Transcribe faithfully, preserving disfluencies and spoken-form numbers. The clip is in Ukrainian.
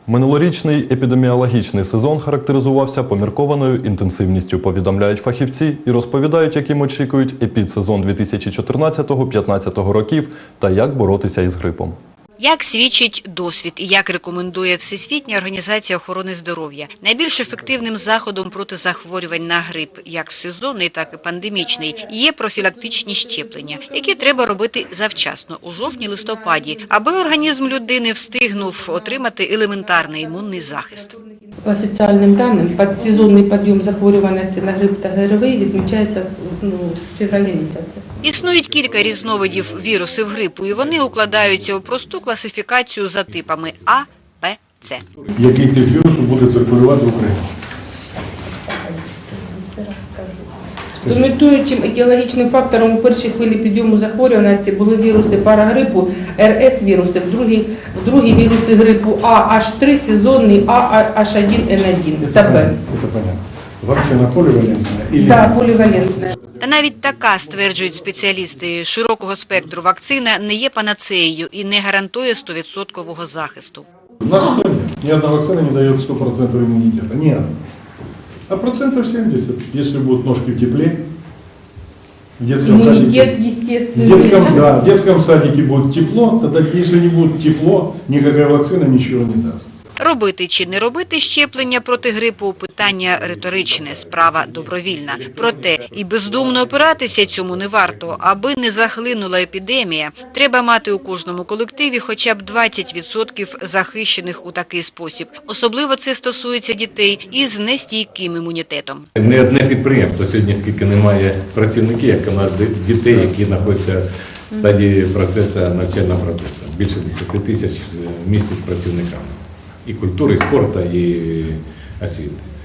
Минулорічний епідеміологічний сезон характеризувався поміркованою інтенсивністю, повідомляють фахівці і розповідають, яким очікують епідсезон дві тисячі чотирнадцятого-п'ятнадцятого років та як боротися із грипом. Як свідчить досвід і як рекомендує Всесвітня організація охорони здоров'я, найбільш ефективним заходом проти захворювань на грип, як сезонний, так і пандемічний, є профілактичні щеплення, які треба робити завчасно, у жовтні-листопаді, аби організм людини встигнув отримати елементарний імунний захист. По официальным данным, сезонный подъем захворюваності на грип та ГРВІ відмічається ну, в февралі місяці. Існують кілька різновидів вірусів грипу, і вони укладаються у просту класифікацію за типами А, Б, С. Який тип вірусу буде циркулювати в Україні? Домінуючим етіологічним фактором у першій хвилі підйому захворюваності були віруси парагрипу, Р С віруси, в другій, в другій віруси грипу А Х три, сезонний А Х один Н один та Б. Це понятно. Вакцина поливалентна? Так, полівалентна. Та навіть така, стверджують спеціалісти, широкого спектру вакцина не є панацеєю і не гарантує сто відсотків захисту. У нас что нет? Ни одна вакцина не дает сто процентов иммунитета. Ни одна. А процентов семьдесят, если будут ножки в тепле, в детском Иммунитет, садике, в естественно. детском, да, в детском садике будет тепло, тогда если не будет тепло, никакая вакцина ничего не даст. Робити чи не робити щеплення проти грипу – питання риторичне, справа добровільна. Проте і бездумно опиратися цьому не варто. Аби не захлинула епідемія, треба мати у кожному колективі хоча б двадцять відсотків захищених у такий спосіб. Особливо це стосується дітей із нестійким імунітетом. Не одне підприємство сьогодні, скільки немає працівників, як у нас дітей, які знаходяться в стадії процесу, навчального процесу. Більше десять тисяч місць з працівниками. І культури, і спорту, і освіти.